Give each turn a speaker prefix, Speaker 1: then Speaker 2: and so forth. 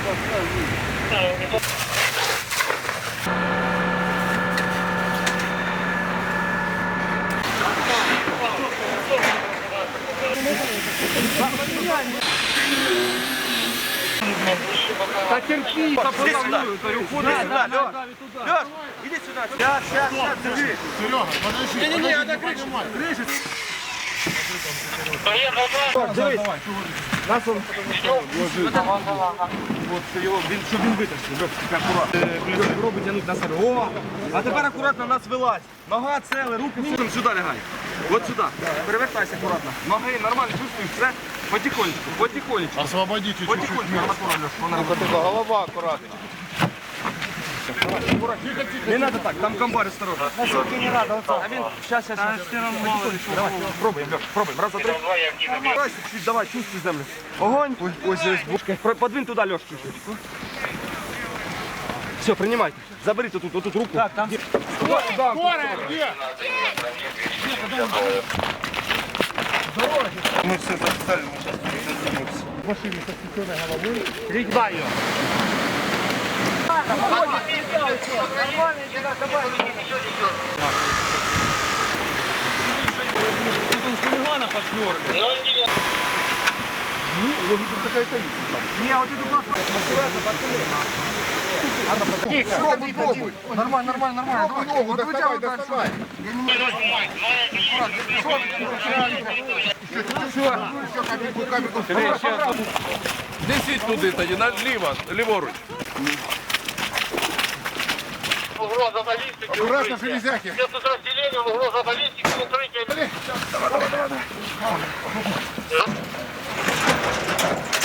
Speaker 1: Да терпи! Иди сюда! Лёш, иди сюда! Сейчас, держи!
Speaker 2: Серега, подожди!
Speaker 1: Не-не-не, надо крышу! Дивись! Нас он... От його, щоб він витащив, Льош, тільки акуратно. Робить тянуть на себе. О! А тепер акуратно нас вилазь. Нога, цели, руки, все. Сюди лягай. От сюди. Перевертайся акуратно. Ноги нормально, чувствуєш все? Потихонечку, потихонечку.
Speaker 2: Освободите чуть-чуть.
Speaker 1: Потихонечку, голова акуратно. Не надо так, там комбар осторожно. Носилки не надо, а він, сейчас. Давай, пробуємо, Леш, пробуємо. Раз, два, три. Давай, чуть-чуть, давай, чувствуй землю. Огонь. Ось здесь бушка. Подвинь туда, Леш, чуть-чуть. Все, принимайте. Заберите вот тут руку. Так, там.
Speaker 2: Скорая, где?
Speaker 1: Мы все записали, мы сейчас перезаднимемся.
Speaker 2: В машине со спасенной головой.
Speaker 1: Регба ее. Тут он с хулигана подшнёрный.
Speaker 2: Ну, логика какая-то есть.
Speaker 1: Не, вот это классно.
Speaker 2: Пробуй, пробуй.
Speaker 1: Нормально.
Speaker 2: Пробуй ногу, доставай. Еще капельку.
Speaker 3: Несіть туди тоді, ліворуч.
Speaker 4: Угроза баллистики.
Speaker 2: Аккуратно, железяки.
Speaker 4: Все подразделения, угроза баллистики, укрытие.